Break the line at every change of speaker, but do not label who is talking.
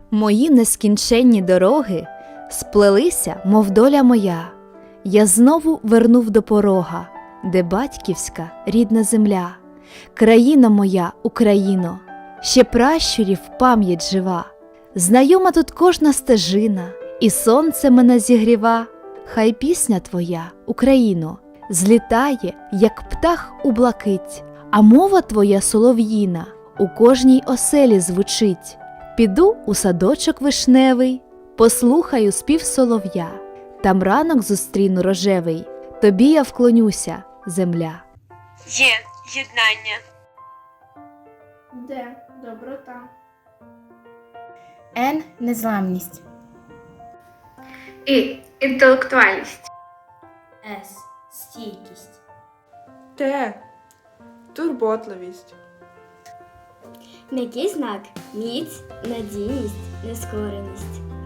Мої нескінченні дороги сплелися, мов доля моя. Я знову вернув до порога, де батьківська рідна земля. Країна моя, Україно, ще пращурів пам'ять жива. Знайома тут кожна стежина, і сонце мене зігріва. Хай пісня твоя, Україно, злітає, як птах у блакить, а мова твоя солов'їна у кожній оселі звучить. Піду у садочок вишневий, послухаю спів солов'я, там ранок зустріну рожевий, тобі я вклонюся, земля.
Є єднання.
Д. Доброта.
Н. Незламність.
І. Інтелектуальність.
С. Стійкість.
Т. Турботливість.
М'який знак – міць, надійність, нескореність.